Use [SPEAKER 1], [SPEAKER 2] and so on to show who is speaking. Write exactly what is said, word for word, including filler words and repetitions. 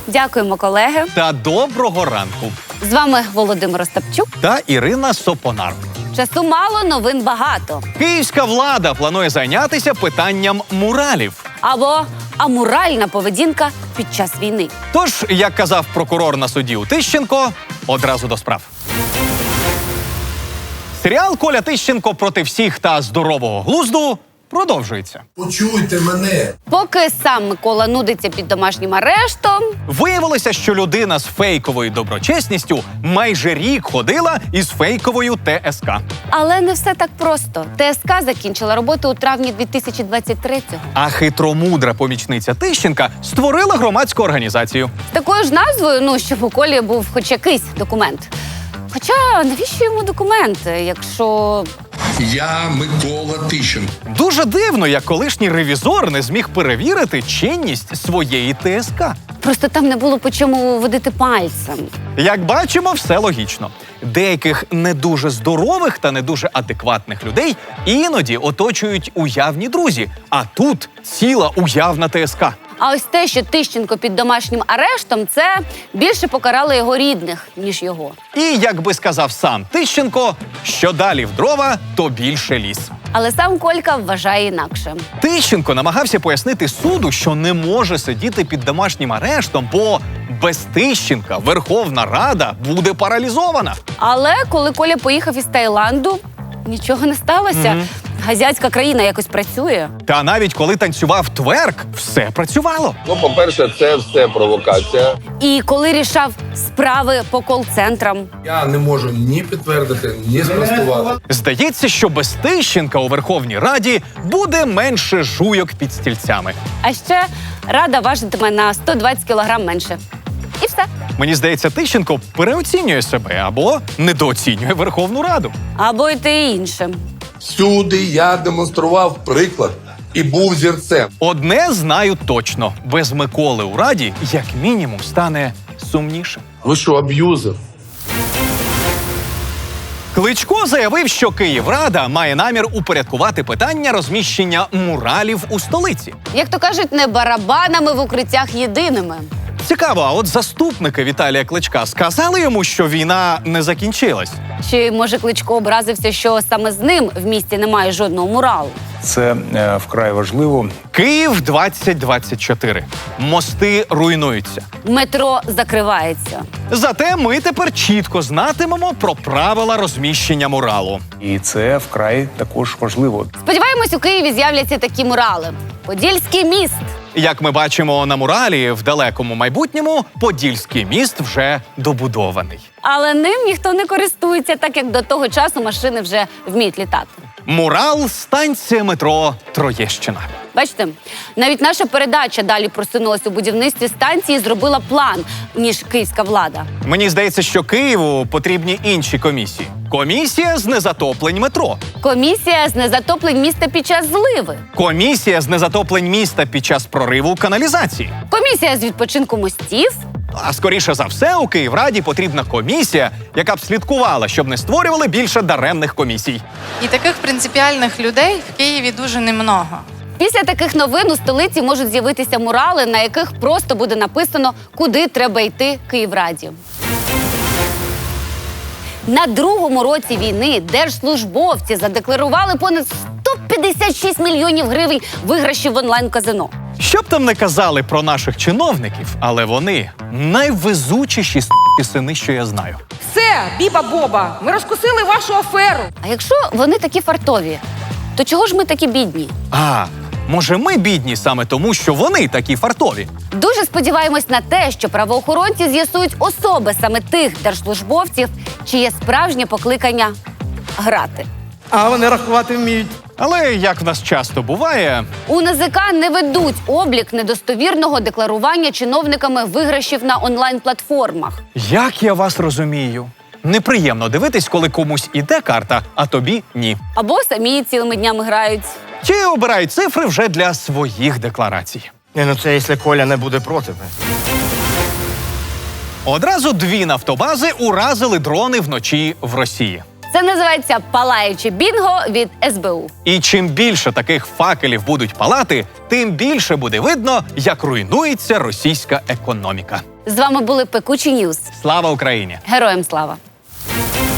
[SPEAKER 1] Дякуємо, колеги.
[SPEAKER 2] Та доброго ранку.
[SPEAKER 1] З вами Володимир Остапчук.
[SPEAKER 2] Та Ірина Сопонар.
[SPEAKER 1] Часу мало, новин багато.
[SPEAKER 2] Київська влада планує зайнятися питанням муралів.
[SPEAKER 1] Або аморальна поведінка під час війни.
[SPEAKER 2] Тож, як казав прокурор на суді у Тищенко, одразу до справ. Серіал «Коля Тищенко проти всіх та здорового глузду» продовжується.
[SPEAKER 3] Почуйте мене.
[SPEAKER 1] Поки сам Микола нудиться під домашнім арештом,
[SPEAKER 2] Виявилося, що людина з фейковою доброчесністю майже рік ходила із фейковою Те Ес Ка.
[SPEAKER 1] але не все так просто. Те Ес Ка закінчила роботу у травні дві тисячі двадцять третього.
[SPEAKER 2] А хитромудра помічниця Тищенка створила громадську організацію.
[SPEAKER 1] З такою ж назвою, ну, щоб у Колі був хоч якийсь документ. Хоча, навіщо йому документи, якщо...
[SPEAKER 3] Я Микола Тищенко.
[SPEAKER 2] Дуже дивно, як колишній ревізор не зміг перевірити чинність своєї Те Ес Ка.
[SPEAKER 1] Просто там не було по чому водити пальцем.
[SPEAKER 2] Як бачимо, все логічно. Деяких не дуже здорових та не дуже адекватних людей іноді оточують уявні друзі, а тут ціла уявна Те Ес Ка.
[SPEAKER 1] А ось те, що Тищенко під домашнім арештом, це більше покарало його рідних, ніж його.
[SPEAKER 2] І, як би сказав сам Тищенко, що далі в дрова, то більше ліс.
[SPEAKER 1] Але сам Колька вважає інакше.
[SPEAKER 2] Тищенко намагався пояснити суду, що не може сидіти під домашнім арештом, бо без Тищенка Верховна Рада буде паралізована.
[SPEAKER 1] Але коли Коля поїхав із Таїланду, нічого не сталося.
[SPEAKER 2] Мгм.
[SPEAKER 1] Газятська країна якось працює.
[SPEAKER 2] Та навіть коли танцював тверк, все працювало.
[SPEAKER 4] Ну, по-перше, це все провокація.
[SPEAKER 1] І коли рішав справи по кол-центрам.
[SPEAKER 3] Я не можу ні підтвердити, ні спростувати.
[SPEAKER 2] Здається, що без Тищенка у Верховній Раді буде менше жуйок під стільцями.
[SPEAKER 1] А ще Рада важитиме на сто двадцять кілограм менше. І все.
[SPEAKER 2] Мені здається, Тищенко переоцінює себе або недооцінює Верховну Раду.
[SPEAKER 1] Або й те інше.
[SPEAKER 3] Всюди я демонстрував приклад і був зірцем.
[SPEAKER 2] Одне знаю точно: без Миколи у Раді, як мінімум, стане сумніше.
[SPEAKER 3] Ви що, аб'юзер?
[SPEAKER 2] Кличко заявив, що Київрада має намір упорядкувати питання розміщення муралів у столиці.
[SPEAKER 1] Як то кажуть, не барабанами в укриттях єдиними.
[SPEAKER 2] Цікаво, а от заступники Віталія Кличка сказали йому, що війна не закінчилась?
[SPEAKER 1] Чи, може, Кличко образився, що саме з ним в місті немає жодного муралу?
[SPEAKER 5] Це е, вкрай важливо.
[SPEAKER 2] Київ двадцять двадцять чотири. Мости руйнуються.
[SPEAKER 1] Метро закривається.
[SPEAKER 2] Зате ми тепер чітко знатимемо про правила розміщення муралу.
[SPEAKER 5] І це вкрай також важливо.
[SPEAKER 1] Сподіваємось, у Києві з'являться такі мурали. Подільський міст.
[SPEAKER 2] Як ми бачимо на муралі, в далекому майбутньому Подільський міст вже добудований.
[SPEAKER 1] Але ним ніхто не користується, так як до того часу машини вже вміють літати.
[SPEAKER 2] Мурал – станція метро Троєщина.
[SPEAKER 1] Бачите, навіть наша передача далі просунулася у будівництві станції і зробила план, ніж київська влада.
[SPEAKER 2] Мені здається, що Києву потрібні інші комісії. Комісія з незатоплень метро.
[SPEAKER 1] Комісія з незатоплень міста під час зливи.
[SPEAKER 2] Комісія з незатоплень міста під час прориву каналізації.
[SPEAKER 1] Комісія з відпочинку мостів.
[SPEAKER 2] А скоріше за все, у Київраді потрібна комісія, яка б слідкувала, щоб не створювали більше даремних комісій.
[SPEAKER 6] І таких принципіальних людей в Києві дуже немного.
[SPEAKER 1] Після таких новин у столиці можуть з'явитися мурали, на яких просто буде написано, куди треба йти Київраді. На другому році війни держслужбовці задекларували понад сто п'ятдесят шість мільйонів гривень виграшів в онлайн-казино.
[SPEAKER 2] Що б там не казали про наших чиновників, але вони найвезучіші с**кі сини, що я знаю.
[SPEAKER 7] Все, Біба-Боба, ми розкусили вашу аферу.
[SPEAKER 1] А якщо вони такі фартові, то чого ж ми такі бідні?
[SPEAKER 2] А, може ми бідні саме тому, що вони такі фартові?
[SPEAKER 1] Дуже сподіваємось на те, що правоохоронці з'ясують особи саме тих держслужбовців, чиє справжнє покликання – грати.
[SPEAKER 8] А вони рахувати вміють.
[SPEAKER 2] Але, як в нас часто буває,
[SPEAKER 1] У Н А Зе Ка не ведуть облік недостовірного декларування чиновниками виграшів на онлайн-платформах.
[SPEAKER 2] як я вас розумію, неприємно дивитись, коли комусь іде карта, а тобі ні.
[SPEAKER 1] Або самі цілими днями грають.
[SPEAKER 2] Чи обирають цифри вже для своїх декларацій.
[SPEAKER 8] Ні, ну це якщо Коля не буде проти.
[SPEAKER 2] Одразу дві нафтобази уразили дрони вночі в Росії.
[SPEAKER 1] Це називається палаюче бінго від ес бе у.
[SPEAKER 2] І чим більше таких факелів будуть палати, тим більше буде видно, як руйнується російська економіка.
[SPEAKER 1] З вами були Пекучі Ньюз.
[SPEAKER 2] Слава Україні!
[SPEAKER 1] Героям слава!